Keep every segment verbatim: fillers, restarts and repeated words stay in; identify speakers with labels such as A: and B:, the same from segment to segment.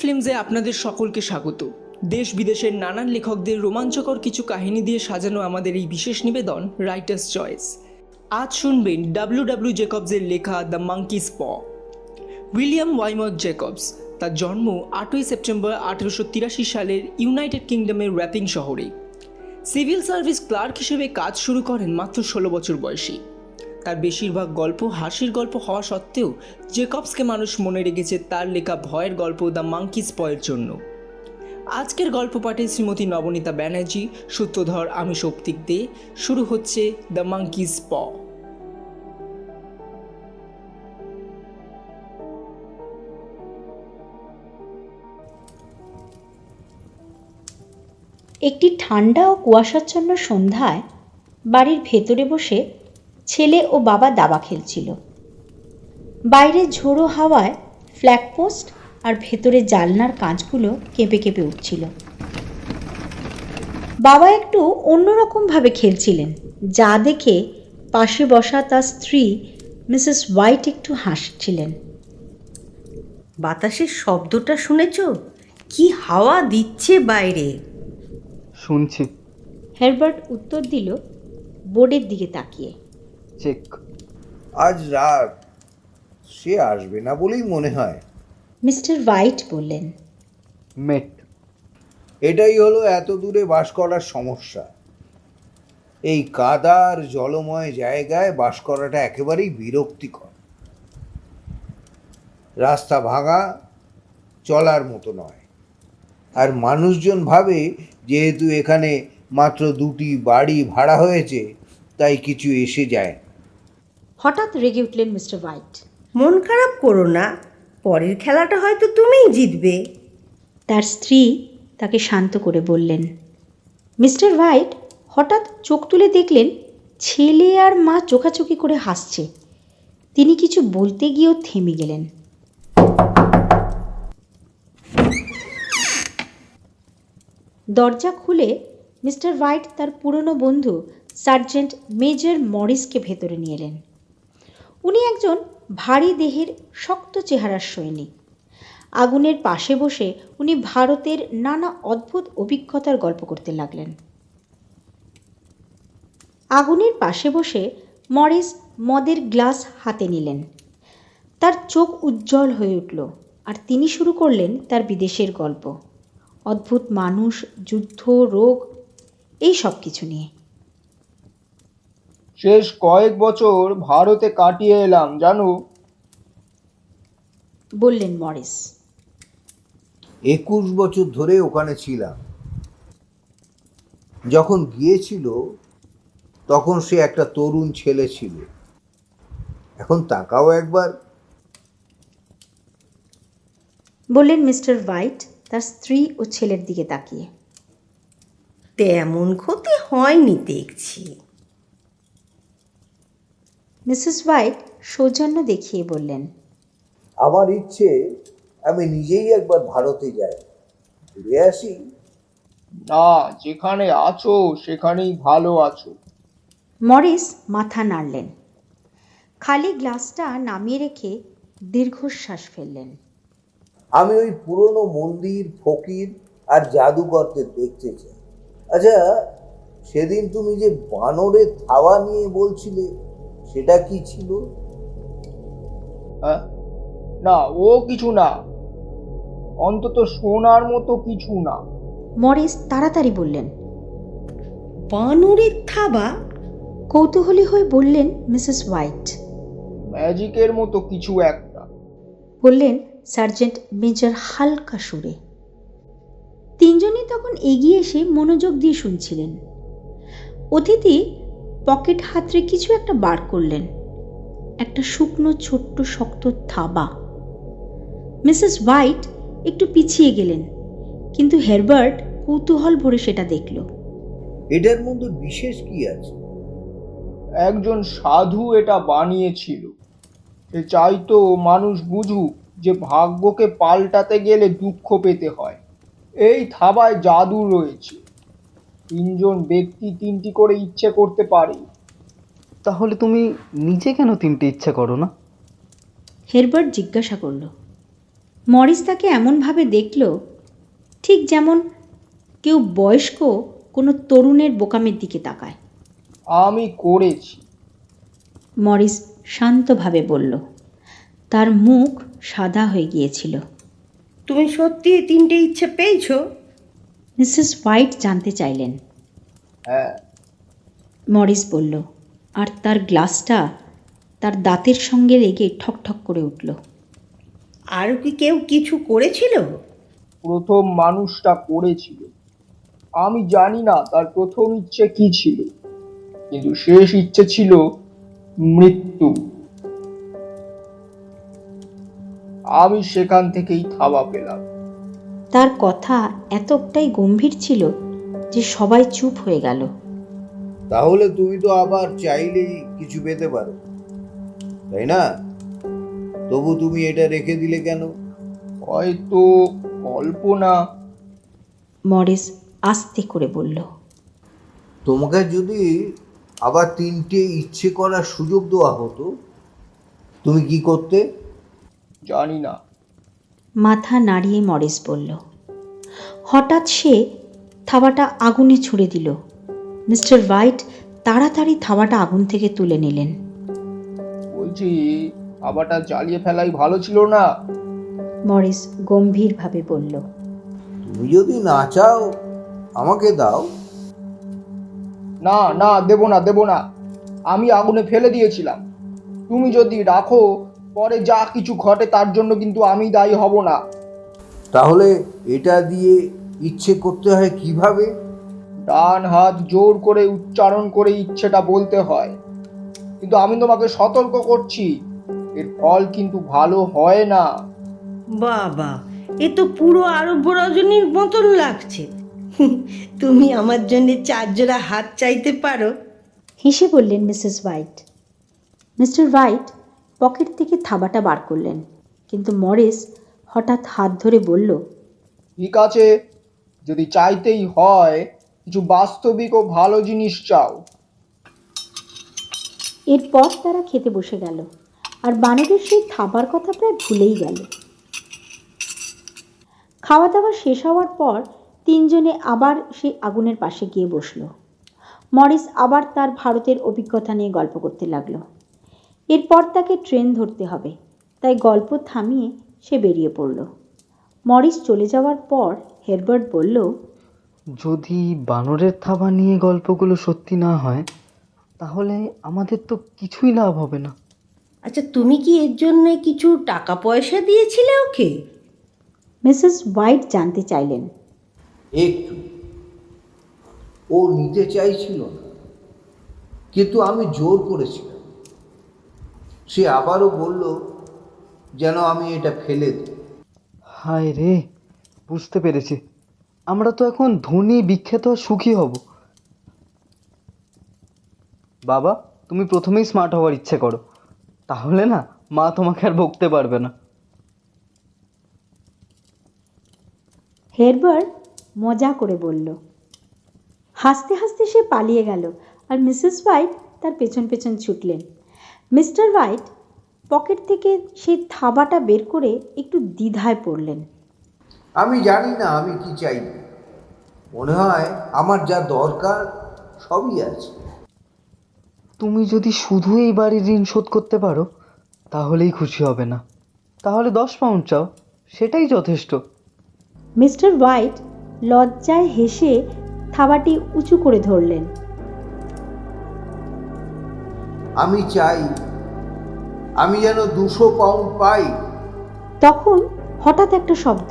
A: ফিল্মসে আপনাদের সকলকে স্বাগত। দেশ বিদেশের নানান লেখকদের রোমাঞ্চকর কিছু কাহিনী দিয়ে সাজানো আমাদের এই বিশেষ নিবেদন রাইটার্স চয়েস। আজ শুনবেন ডাব্লিউ ডাব্লিউ জেকবসের লেখা the monkey's paw. William Wymark Jacobs, তার জন্ম আটই সেপ্টেম্বর আঠেরোশো তিরাশি সালের ইউনাইটেড কিংডমের র্যাপিং শহরে। সিভিল সার্ভিস ক্লার্ক হিসেবে কাজ শুরু করেন মাত্র ষোলো বছর বয়সী। তার বেশিরভাগ গল্প হাসির গল্প হওয়া সত্ত্বেও জেকবসকে মানুষ মনে রেখেছে তার লেখা ভয়ের গল্প দ্য মাঙ্কিস পয়ের জন্য। আজকের গল্প পাঠে শ্রীমতী নবনীতা ব্যানার্জি, সূত্রধর আমি সৌপ্তিক দে। শুরু হচ্ছে দ্য মাঙ্কিস প।
B: একটি ঠান্ডা ও কুয়াশাচ্ছন্ন সন্ধ্যায় বাড়ির ভেতরে বসে ছেলে ও বাবা দাবা খেলছিল। বাইরে ঝোড়ো হাওয়ায় ফ্ল্যাগপোস্ট আর ভেতরে জানলার কাঁচগুলো কেঁপে কেঁপে উঠছিল। বাবা একটু অন্যরকমভাবে খেলছিলেন, যা দেখে পাশে বসা তার স্ত্রী মিসেস হোয়াইট একটু হাসছিলেন।
C: বাতাসের শব্দটা শুনেছ? কি হাওয়া দিচ্ছে বাইরে।
D: শুনছি।
B: হেরবার্ট উত্তর দিল বোর্ডের দিকে তাকিয়ে।
D: চেক।
E: আজ রাত সে আসবে না বলেই মনে হয়।
B: মিস্টার হোয়াইট বললেন।
D: মেট।
E: এটাই হলো এত দূরে বাস করার সমস্যা। এই কাদার জলময় জায়গায় বাস করাটা একেবারেই বিরক্তিকর। রাস্তা ভাঙা, চলার মতো নয়। আর মানুষজন ভাবে যেহেতু এখানে মাত্র দুটি বাড়ি ভাড়া হয়েছে, তাই কিছু এসে যায়।
B: হঠাৎ রেগে উঠলেন মিস্টার হোয়াইট।
C: মন খারাপ করো না, পরের খেলাটা হয়তো তুমিই জিতবে।
B: তার স্ত্রী তাকে শান্ত করে বললেন। মিস্টার হোয়াইট হঠাৎ চোখ তুলে দেখলেন ছেলে আর মা চোখাচোখি করে হাসছে। তিনি কিছু বলতে গিয়েও থেমে গেলেন। দরজা খুলে মিস্টার হোয়াইট তার পুরনো বন্ধু সার্জেন্ট মেজর মরিসকে ভেতরে নিয়ে এলেন। উনি একজন ভারী দেহের শক্ত চেহারার সৈনিক। আগুনের পাশে বসে উনি ভারতের নানা অদ্ভুত অভিজ্ঞতার গল্প করতে লাগলেন। আগুনের পাশে বসে মরিস মদের গ্লাস হাতে নিলেন। তার চোখ উজ্জ্বল হয়ে উঠল আর তিনি শুরু করলেন তার বিদেশের গল্প, অদ্ভুত মানুষ, যুদ্ধ, রোগ, এই সব কিছু নিয়ে।
F: শেষ কয়েক বছর ভারতে কাটিয়ে এলাম জানো,
B: বললেন মরিস।
E: একুশ বছর ধরে ওখানে ছিলাম। যখন গিয়েছিল তখন সে একটা তরুণ ছেলে ছিল। এখন তাকাও একবার।
B: বললেন মিস্টার হোয়াইট তার স্ত্রী ও ছেলের দিকে তাকিয়ে।
C: তেমন ক্ষতি হয়নি দেখছি।
B: মিসেস হোয়াইট সৌজন্য দেখিয়ে বললেন।
E: আমার ইচ্ছে আমি নিজেই একবার ভারতে যাই, ঘুরে আসি।
F: না, যেখানে আছো সেখানেই ভালো আছো।
B: মরিস মাথা নাড়লেন, খালি গ্লাসটা নামিয়ে রেখে দীর্ঘশ্বাস ফেললেন।
E: আমি ওই পুরনো মন্দির, ফকির আর জাদুঘরদের দেখতে চাই। আচ্ছা, সেদিন তুমি যে বানরের থাবা নিয়ে বলছিলে, সেটা কি ছিল?
F: হ্যাঁ, না ও কিছু না, অন্তত শোনার মতো কিছু না।
B: মরিস তাড়াতাড়ি বললেন।
C: বানরের থাবা?
B: কৌতূহলী হয়ে বললেন মিসেস হোয়াইট।
F: ম্যাজিকের মতো কিছু একটা,
B: বললেন সার্জেন্ট মেজর হালকা সুরে। তিনজনই তখন এগিয়ে এসে মনোযোগ দিয়ে শুনছিলেন। অতিথি পকেট হাতড়ে কিছু একটা বার করলেন, একটা শুকনো ছোট্ট শক্ত থাবা। মিসেস হোয়াইট একটু পিছিয়ে গেলেন, কিন্তু হেরবার্ট কৌতূহল ভরে সেটা দেখল।
E: এটার মধ্যে বিশেষ কি আছে?
F: একজন সাধু এটা বানিয়েছিল। সে চাইতো মানুষ বুঝুক যে ভাগ্যকে পাল্টাতে গেলে দুঃখ পেতে হয়। এই থাবায় জাদু রয়েছে। তিনজন ব্যক্তি তিনটি করে ইচ্ছে করতে পারে।
D: তাহলে তুমি নিজে কেন তিনটে ইচ্ছা করো না?
B: হেরবার্ট জিজ্ঞাসা করল। মরিস তাকে এমনভাবে দেখল ঠিক যেমন কেউ বয়স্ক কোনো তরুণের বোকামের দিকে তাকায়।
F: আমি করেছি।
B: মরিস শান্তভাবে বলল। তার মুখ সাদা হয়ে গিয়েছিল।
C: তুমি সত্যি এই তিনটে ইচ্ছে পেয়েছো?
B: মিসেস হোয়াইট জানতে চাইলেন।
F: হ্যাঁ।
B: মরিস বলল, আর তার গ্লাসটা তার দাঁতের সঙ্গে লেগে ঠকঠক করে উঠল।
C: আরও কি কেউ কিছু করেছিল?
F: প্রথম মানুষটা করেছিল। আমি জানি না তার প্রথম ইচ্ছে কি ছিল, কিন্তু শেষ ইচ্ছে ছিল মৃত্যু। আমি সেখান থেকেই থাবা পেলাম।
B: তার কথা এতটাই গম্ভীর ছিল যে সবাই চুপ হয়ে গেল।
E: তাহলে তুমি তো আবার চাইলেই কিছু পেতে পারো, তাই না? তবু তুমি এটা রেখে দিলে কেন?
F: হয়তো কল্পনা।
B: মরিস আস্তে করে বলল।
E: তোমাকে যদি আবার তিনটে ইচ্ছে করার সুযোগ দেওয়া হতো, তুমি কি করতে?
F: জানি না।
B: মাথা নাড়িয়ে মরিস বলল। হঠাৎ সে থাবাটা আগুনে ছুঁড়ে দিল। মিস্টার হোয়াইট তাড়াতাড়ি থাবাটা আগুন থেকে তুলে নিলেন।
F: বলছি, আবারটা জ্বালিয়ে ফেলাই ভালো ছিল না?
B: মরিস গম্ভীরভাবে বলল।
E: তুমি যদি না চাও আমাকে দাও।
F: না না, দেব না দেব না। আমি আগুনে ফেলে দিয়েছিলাম। তুমি যদি রাখো, পরে যা কিছু ঘটে তার জন্য কিন্তু আমি দায়ী হব না।
E: তাহলে এটা দিয়ে ইচ্ছে করতে হয় কিভাবে?
F: ডান হাত জোর করে উচ্চারণ করে ইচ্ছেটা বলতে হয়। কিন্তু আমি তোমাকে সতর্ক করছি, এর ফল কিন্তু ভালো হয় না।
C: বাবা, এ তো পুরো আরব্য রজনীর মতন লাগছে। তুমি আমার জন্য চার জোড়া হাত চাইতে পারো।
B: হেসে বললেন Mrs White. Mr White pocket থেকে থাবাটা বার করলেন, কিন্তু মরিস হঠাৎ হাত ধরে বলল,
F: ঠিক আছে, যদি চাইতেই হয় কিছু বাস্তবিক ও ভালো জিনিস চাও।
B: এরপর তারা খেতে বসে গেল, আর বানরের সেই থাবার কথা প্রায় ভুলেই গেল। খাওয়া দাওয়া শেষ হওয়ার পর তিনজনে আবার সেই আগুনের পাশে গিয়ে বসল। মরিস আবার তার ভারতের অভিজ্ঞতা নিয়ে গল্প করতে লাগলো। এরপর তাকে ট্রেন ধরতে হবে, তাই গল্প থামিয়ে সে বেরিয়ে পড়ল। মরিস চলে যাওয়ার পর হেরবার্ট বলল,
D: যদি বানরের থাবা নিয়ে গল্পগুলো সত্যি না হয়, তাহলে আমাদের তো কিছুই লাভ হবে না।
C: আচ্ছা, তুমি কি এর জন্য কিছু টাকা পয়সা দিয়েছিলে ওকে?
B: মিসেস হোয়াইট জানতে চাইলেন।
E: একটু। ও নিতে চাইছিল না, কিন্তু আমি জোর করেছিলাম। সে আবারও বলল যেন আমি এটা ফেলে দিই।
D: হায় রে, বুঝতে পেরেছি। আমরা তো এখন ধনী, বিখ্যাত আর সুখী হব। বাবা, তুমি প্রথমেই স্মার্ট হওয়ার ইচ্ছে করো, তাহলে না মা তোমাকে আর বকতে পারবে না।
B: হেরবার্ট মজা করে বলল। হাসতে হাসতে সে পালিয়ে গেল, আর মিসেস হোয়াইট তার পেছন পেছন ছুটলেন। মিস্টার হোয়াইট পকেট থেকে সেই থাবাটা বের করে একটু দ্বিধায় পড়লেন।
E: আমি জানি না আমি কি চাই। মনে হয় আমার যা দরকার সবই আছে।
D: তুমি যদি শুধু এই বাড়ির ঋণ শোধ করতে পারো, তাহলেই খুশি হবে না। তাহলে দশ পাউন্ড চাও, সেটাই যথেষ্ট।
B: মিস্টার হোয়াইট লজ্জায় হেসে থাবাটি উঁচু করে ধরলেন।
E: আমি চাই আমি যেন দুশো পাউন্ড পাই।
B: তখন হঠাৎ একটা শব্দ।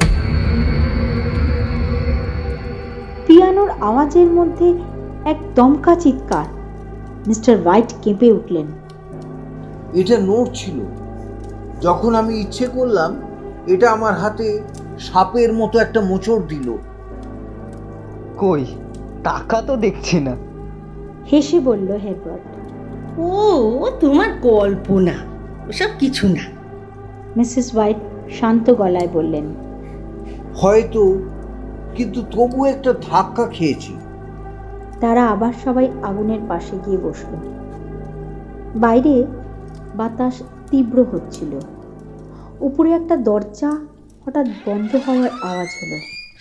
B: পিয়ানোর আওয়াজের মধ্যে এক দমকা চিৎকার। মিস্টার হোয়াইট কেঁপে উঠলেন।
E: এটা নোট ছিল। যখন আমি ইচ্ছে করলাম, এটা আমার হাতে সাপের মতো একটা মোচড় দিল।
D: কই, টাকা তো দেখছি না।
B: হেসে বলল হেরবার্ট।
C: ও তোমার কল্পনা, ওসব কিছু না।
B: মিসেস হোয়াইট শান্ত গলায় বললেন।
E: হয়তো, কিন্তু তবু একটা ধাক্কা খেয়েছি।
B: তারা আবার সবাই আগুনের পাশে গিয়ে বসল। বাইরে বাতাস তীব্র হচ্ছিল। উপরে একটা দরজা হঠাৎ বন্ধ হওয়ার আওয়াজ হলো।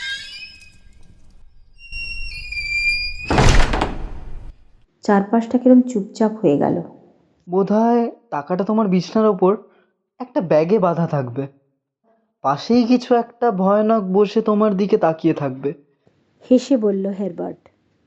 B: চারপাশটা কিরম চুপচাপ হয়ে গেল।
D: বোধহয় টাকাটা তোমার বিছানার ওপর একটা ব্যাগে বাঁধা থাকবে। পাশেই কিছু একটা ভয়ানক বসে তোমার দিকে তাকিয়ে থাকবে।
B: হেসে বলল হেরবার্ট।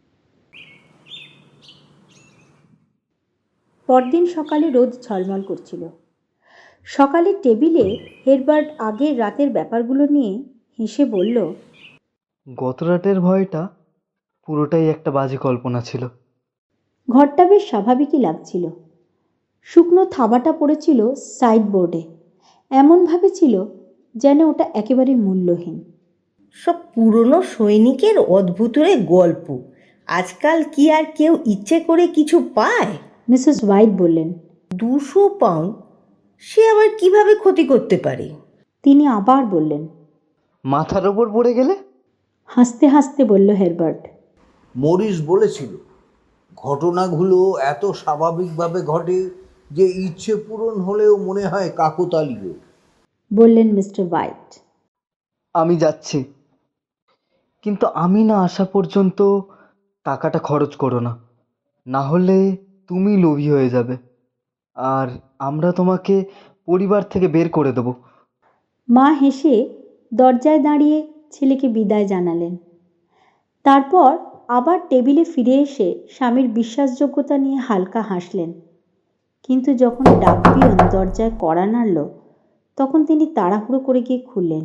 B: পরদিন সকালে রোদ ঝলমল করছিল। সকালে টেবিলে হেরবার্ট আগের রাতের ব্যাপারগুলো নিয়ে হেসে বলল,
D: গত রাতের ভয়টা পুরোটাই একটা বাজে কল্পনা ছিল।
B: ঘরটা বেশ স্বাভাবিকই লাগছিল। শুকনো থাবাটা পড়েছিল সাইডবোর্ডে, এমনভাবে ছিল যেন ওটা একেবারে মূল্যহীন।
C: সব পুরনো সৈনিকের অদ্ভুতরে গল্প। আজকাল কি আর কেউ ইচ্ছে করে কিছু পায়?
B: মিসেস হোয়াইট বললেন।
C: দুশো পাউন্ড সে আবার কিভাবে ক্ষতি করতে পারে?
B: তিনি আবার বললেন।
D: মাথার ওপর পড়ে গেলে?
B: হাসতে হাসতে বলল হেরবার্ট।
E: মরিস বলেছিল ঘটনাগুলো এত স্বাভাবিকভাবে ঘটে যে ইচ্ছে পূরণ হলেও মনে হয় কাকতালীয়।
B: বললেন মিস্টার হোয়াইট।
D: আমি যাচ্ছি, কিন্তু আমি না আসা পর্যন্ত টাকাটা খরচ করো না, না হলে তুমি লোভী হয়ে যাবে আর আমরা তোমাকে পরিবার থেকে বের করে দেবো।
B: মা হেসে দরজায় দাঁড়িয়ে ছেলেকে বিদায় জানালেন। তারপর আবার টেবিলে ফিরে এসে স্বামীর বিশ্বাসযোগ্যতা নিয়ে হালকা হাসলেন। কিন্তু যখন ডাকপিয়ন দরজায় কড়া নাড়ল, তখন তিনি তাড়াহুড়ো করে গিয়ে খুললেন।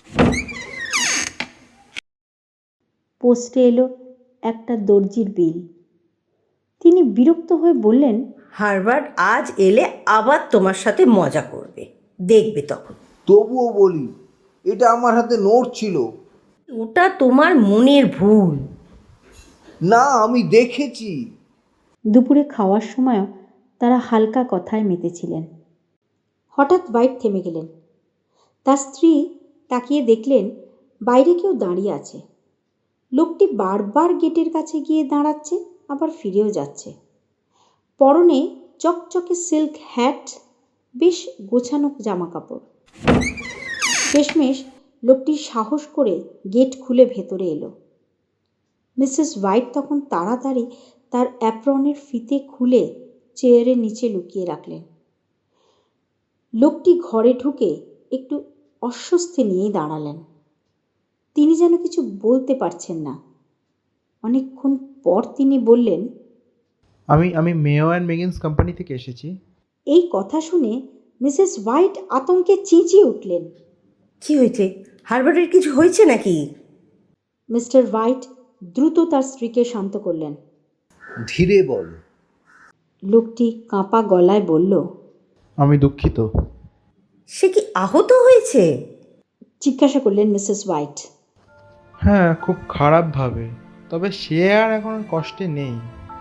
B: পোস্টে এলো একটা দর্জির বিল। তিনি বিরক্ত হয়ে বললেন,
C: হারবার্ট আজ এলে আবার তোমার সাথে মজা করবে, দেখবে তখন।
E: তবুও বলি, এটা আমার হাতে নোট ছিল।
C: ওটা তোমার মনের ভুল।
E: না, আমি দেখেছি।
B: দুপুরে খাওয়ার সময়ও তারা হালকা কথায় মেতেছিলেন। হঠাৎ হোয়াইট থেমে গেলেন। তার স্ত্রী তাকিয়ে দেখলেন বাইরে কেউ দাঁড়িয়ে আছে। লোকটি বারবার গেটের কাছে গিয়ে দাঁড়াচ্ছে, আবার ফিরেও যাচ্ছে। পরনে চকচকে সিল্ক হ্যাট, বেশ গোছানো জামা কাপড়। শেষমেশ লোকটি সাহস করে গেট খুলে ভেতরে এলো। মিসেস হোয়াইট তখন তাড়াতাড়ি তার অ্যাপ্রনের ফিতে খুলে চেয়ারের নিচে লুকিয়ে রাখলেন। লোকটি ঘরে ঢুকে একটু অস্বস্তি নিয়েই দাঁড়ালেন। তিনি যেন কিছু বলতে পারছেন না। অনেকক্ষণ পর তিনি বললেন,
G: আমি আমি মেও অ্যান্ড মেগিন্স কোম্পানি থেকে এসেছি।
B: এই কথা শুনে মিসেস হোয়াইট আতঙ্কে চেঁচিয়ে উঠলেন।
C: কি হয়েছে? হারবার্টের কিছু হয়েছে নাকি?
B: মিস্টার হোয়াইট দ্রুত তার স্ত্রীকে শান্ত করলেন।
E: ধীরে বল।
B: লোকটি কাঁপা গলায় বলল,
G: আমি দুঃখিত।
C: সে কি আহত হয়েছে?
B: জিজ্ঞাসা করলেন মিসেস হোয়াইট।
G: হ্যাঁ, খুব খারাপভাবে, তবে সে আর এখন কষ্টে নেই।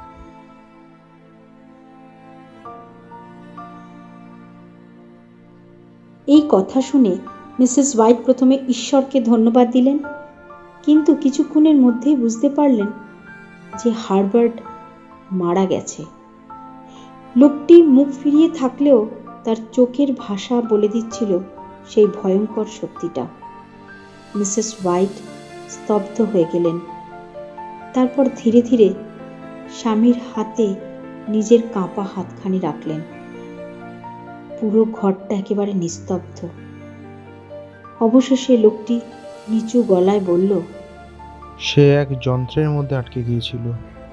B: এই কথা শুনে মিসেস হোয়াইট প্রথমে ঈশ্বরকে ধন্যবাদ দিলেন, কিন্তু কিছুক্ষণের মধ্যেই বুঝতে পারলেন যে হারবার্ট মারা গেছে। লোকটি মুখ ফিরিয়ে থাকলেও তার চোখের ভাষা বলে দিচ্ছিল সেই ভয়ঙ্কর সত্যিটা। মিসেস হোয়াইট স্তব্ধ হয়ে গেলেন। তারপর ধীরে ধীরে স্বামীর হাতে নিজের কাঁপা হাতখানি রাখলেন। পুরো ঘরটা একেবারে নিস্তব্ধ। অবশেষে লোকটি নিচু গলায় বলল,
G: সে এক যন্ত্রের মধ্যে আটকে গিয়েছিল।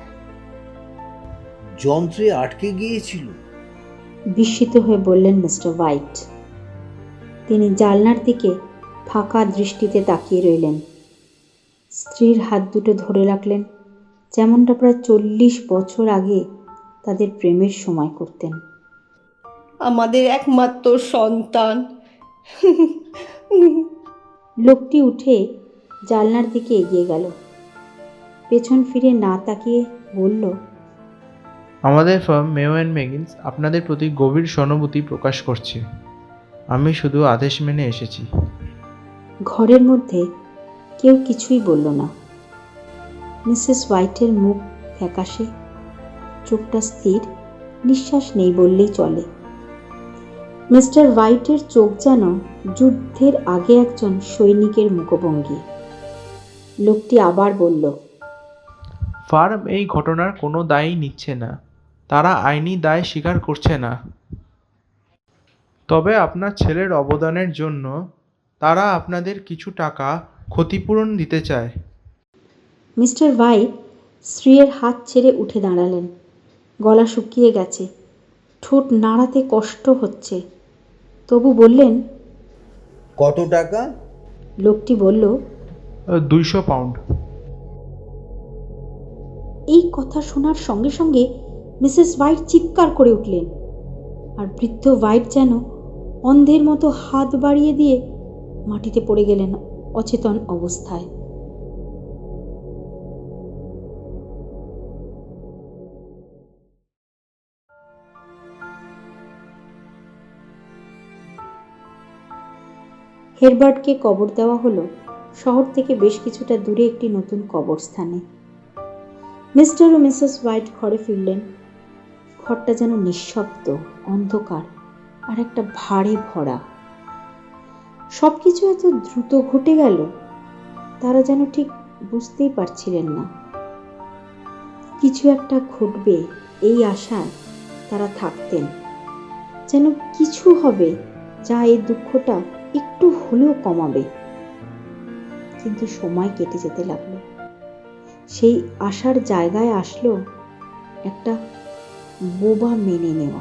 E: যন্ত্রে আটকে গিয়েছিল?
B: বিস্মিত হয়ে বললেন মিস্টার হোয়াইট। তিনি জানলার দিকে ফাঁকা দৃষ্টিতে তাকিয়ে রইলেন। স্ত্রীর হাত দুটো ধরে রাখলেন, যেমনটা প্রায় চল্লিশ বছর আগে তাদের প্রেমের সময় করতেন।
C: আমাদের একমাত্র সন্তান।
B: লোকটি উঠে জানলার দিকে এগিয়ে গেল। পেছন ফিরে না তাকিয়ে বলল,
G: আমাদের ফার্ম মেও অ্যান্ড মেগিন্স আপনাদের প্রতি গভীর সহানুভূতি প্রকাশ করছে। আমি শুধু আদেশ মেনে এসেছি।
B: ঘরের মধ্যে কেউ কিছুই বলল না। মিসেস হোয়াইটের মুখ ফ্যাকাশে, চোখটা স্থির, নিঃশ্বাস নেই বললেই চলে। মিস্টার হোয়াইটের চোখ যেন যুদ্ধের আগে একজন সৈনিকের মুখভঙ্গি। লোকটি আবার বলল,
G: ফার্ম এই ঘটনার কোনো দায়ই নিচ্ছে না, তারা আইনি দায় স্বীকার করছে না। তবে আপনার ছেলের অবদানের জন্য তারা আপনাদের কিছু টাকা ক্ষতিপূরণ দিতে চায়।
B: মিস্টার হোয়াইট স্ত্রীর হাত ছেড়ে উঠে দাঁড়ালেন। গলা শুকিয়ে গেছে, ঠোঁট নাড়াতে কষ্ট হচ্ছে, তবু বললেন,
E: কত টাকা?
B: লোকটি বলল,
G: দুইশো পাউন্ড।
B: এই কথা শোনার সঙ্গে সঙ্গে মিসেস হোয়াইট চিৎকার করে উঠলেন, আর বৃদ্ধ হোয়াইট যেন অন্ধের মতো হাত বাড়িয়ে দিয়ে মাটিতে পড়ে গেলেন অচেতন অবস্থায়। হেরবার্টকে কবর দেওয়া হলো শহর থেকে বেশ কিছুটা দূরে একটি নতুন কবরস্থানে। মিস্টার ও মিসেস হোয়াইট ঘরে ফিরলেন। ঘরটা যেন নিঃশব্দ, অন্ধকার আর একটা ভারে ভরা। সব কিছু এত দ্রুত ঘটে গেল, তারা যেন ঠিক বুঝতেই পারছিলেন না। কিছু একটা ঘটবে এই আশায় তারা থাকতেন, যেন কিছু হবে যা এই দুঃখটা একটু হলেও কমাবে। কিন্তু সময় কেটে যেতে লাগলো। সেই আশার জায়গায় আসলো একটা বোবা মেনে নেওয়া।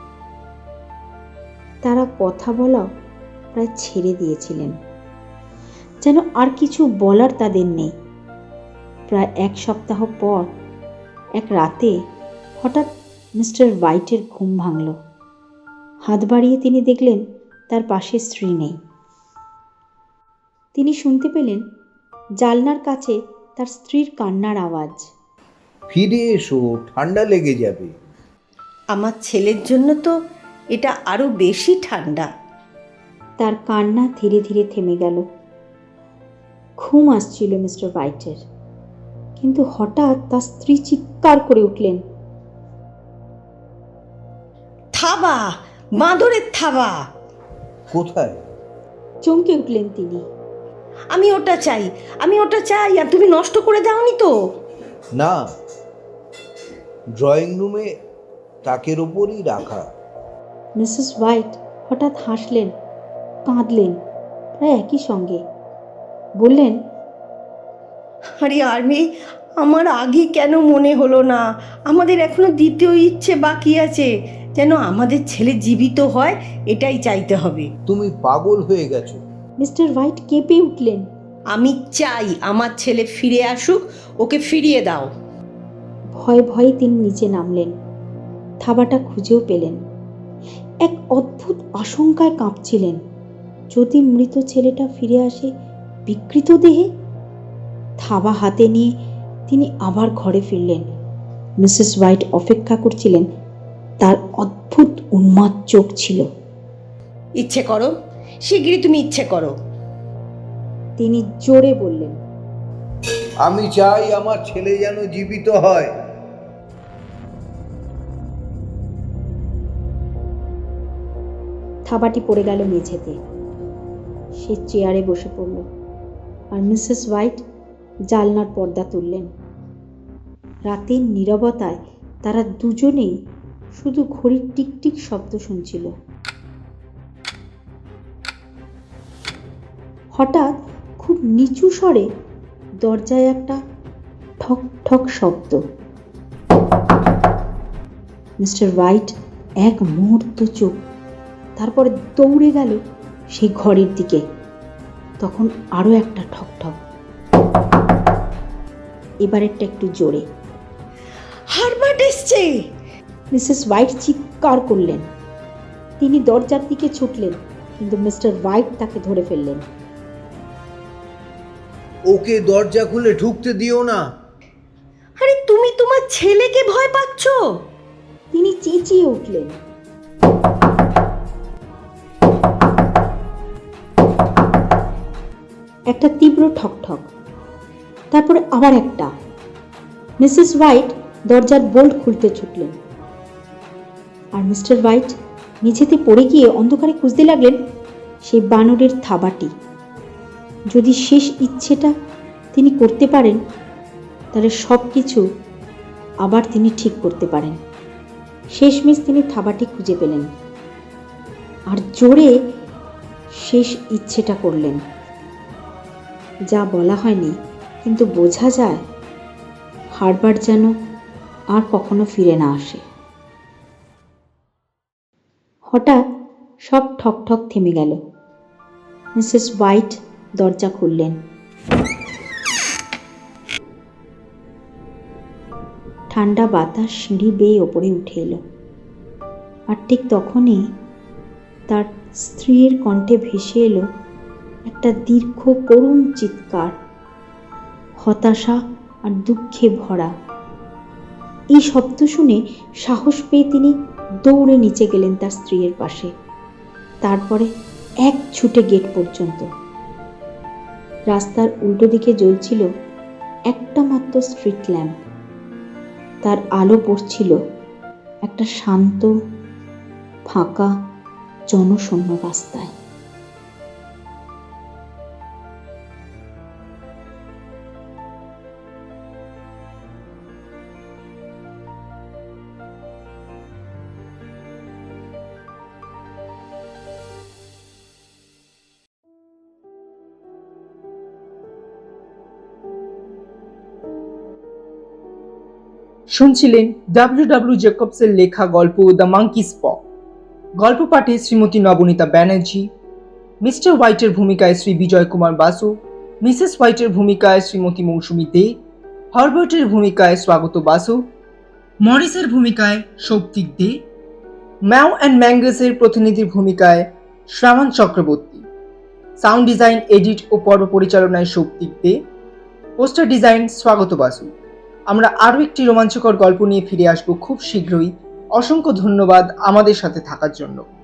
B: তারা কথা বলা প্রায় ছেড়ে দিয়েছিলেন, যেন আর কিছু বলার তাদের নেই। প্রায় এক সপ্তাহ পর এক রাতে হঠাৎ মিস্টার হোয়াইটের ঘুম ভাঙল। হাত বাড়িয়ে তিনি দেখলেন তার পাশে স্ত্রী নেই। তিনি শুনতে পেলেন জানলার কাছে তার স্ত্রীর কান্নার আওয়াজ।
E: ফিরে এসো, ঠান্ডা লেগে যাবে।
C: আমার ছেলের জন্য তো এটা আরো বেশি ঠান্ডা।
B: তার কান্না ধীরে ধীরে থেমে গেল। ঘুম আসছিল মিস্টার হোয়াইটের, কিন্তু হঠাৎ তার স্ত্রী চিৎকার করে উঠলেন,
C: থাবা, বাঁদরের থাবা!
E: কোথায়?
B: চমকে উঠলেন তিনি।
C: আমি ওটা চাই, আমি ওটা চাই, আর তুমি নষ্ট করে দাওনি তো?
E: না, ড্রয়িং রুমে তাকের ওপরই রাখা।
B: মিসেস হোয়াইট হঠাৎ হাসলেন, কাঁদলেন প্রায় একই সঙ্গে। বললেন,
C: আরে আর্মি, আমার আগে কেন মনে হলো না? আমাদের এখনো দ্বিতীয় ইচ্ছে বাকি আছে, যেন আমাদের ছেলে জীবিত হয়, এটাই চাইতে হবে।
E: তুমি পাগল হয়ে গেছো।
B: মিস্টার হোয়াইট কেঁপে উঠলেন।
C: আমি চাই আমার ছেলে ফিরে আসুক, ওকে ফিরিয়ে দাও।
B: ভয়ে ভয়ে তিনি নিচে নামলেন, থাবাটা খুঁজেও পেলেন। এক অদ্ভুত আশঙ্কায় কাঁপছিলেন, যদি মৃত ছেলেটা ফিরে আসে বিকৃত দেহে। থাবা হাতে নিয়ে তিনি আবার ঘরে ফিরলেন। মিসেস হোয়াইট অপেক্ষা করছিলেন, তার অদ্ভুত উন্মাদ চোখ ছিল।
C: ইচ্ছে করো, শিগগিরই তুমি ইচ্ছে করো।
B: তিনি জোরে বললেন,
E: আমি চাই আমার ছেলে যেন জীবিত হয়।
B: থাবাটি পড়ে গেল মেঝেতে। সে চেয়ারে বসে পড়ল, আর মিসেস হোয়াইট জানলার পর্দা তুললেন। রাতের নীরবতায় তারা দুজনেই শুধু ঘড়ির টিকটিক শব্দ শুনছিল। হঠাৎ খুব নিচু স্বরে দরজায় একটা ঠক ঠক শব্দ। মিস্টার হোয়াইট এক মুহূর্ত চুপ, তারপরে দৌড়ে গেল সেই ঘরের দিকে। তখন আরো একটা ঠক ঠক, এবারেরটা একটু জোরে।
C: হারবার্ট এসছে!
B: মিসেস হোয়াইট চিৎকার করলেন। তিনি দরজার দিকে ছুটলেন, কিন্তু মিস্টার হোয়াইট তাকে ধরে ফেললেন।
E: ওকে দরজা খুলে ঢুকতে দিও না।
C: আরে তুমি তোমার ছেলেকে ভয় পাচ্ছ?
B: তিনি চেঁচিয়ে উঠলেন। একটা তীব্র ঠকঠক, তারপরে আবার একটা। মিসেস হোয়াইট দরজার বোল্ট খুলতে ছুটলেন, আর মিস্টার হোয়াইট মেঝেতে পড়ে গিয়ে অন্ধকারে খুঁজতে লাগলেন সেই বানরের থাবাটি। যদি শেষ ইচ্ছেটা তিনি করতে পারেন, তাহলে সব কিছু আবার তিনি ঠিক করতে পারেন। শেষমেশ তিনি থাবাটি খুঁজে পেলেন আর জোরে শেষ ইচ্ছেটা করলেন। যা বলা হয়নি, কিন্তু বোঝা যায় হারবার যেন আর কখনো ফিরে না আসে। হঠাৎ সব ঠক ঠক থেমে গেল। মিসেস হোয়াইট দরজা খুললেন। ঠান্ডা বাতাস সিঁড়ি বেয়ে ওপরে উঠে এলো, আর ঠিক তখনই তার স্ত্রীর কণ্ঠে ভেসে এলো একটা দীর্ঘ করুণ চিৎকার, হতাশা আর দুঃখে ভরা। এই শব্দ শুনে সাহস পেয়ে তিনি দৌড়ে নিচে গেলেন তার স্ত্রীর পাশে, তারপরে এক ছুটে গেট পর্যন্ত। রাস্তার উল্টো দিকে জ্বলছিল একটা মাত্র স্ট্রিট ল্যাম্প। তার আলো পড়ছিল একটা শান্ত, ফাঁকা, জনশূন্য রাস্তায়।
A: শুনছিলেন ডাব্লিউ ডাব্লিউ জেকবসের লেখা গল্প দ্য মাঙ্কিস পক। গল্প পাঠে শ্রীমতী নবনীতা ব্যানার্জি, মিস্টার হোয়াইটের ভূমিকায় শ্রী বিজয় কুমার বাসু, মিসেস হোয়াইটের ভূমিকায় শ্রীমতী মৌসুমী দে, হারবার্টের ভূমিকায় স্বাগত বাসু, মরিসের ভূমিকায় সৌপ্তিক দে, ম্যাও অ্যান্ড ম্যাঙ্গাসের প্রতিনিধির ভূমিকায় Shrabon Chakraborty, sound design, edit ও পর্ব পরিচালনায় সৌপ্তিক দে, পোস্টার ডিজাইন স্বাগত বাসু। আমরা আরও একটি রোমাঞ্চকর গল্প নিয়ে ফিরে আসবো খুব শীঘ্রই। অসংখ্য ধন্যবাদ আমাদের সাথে থাকার জন্য।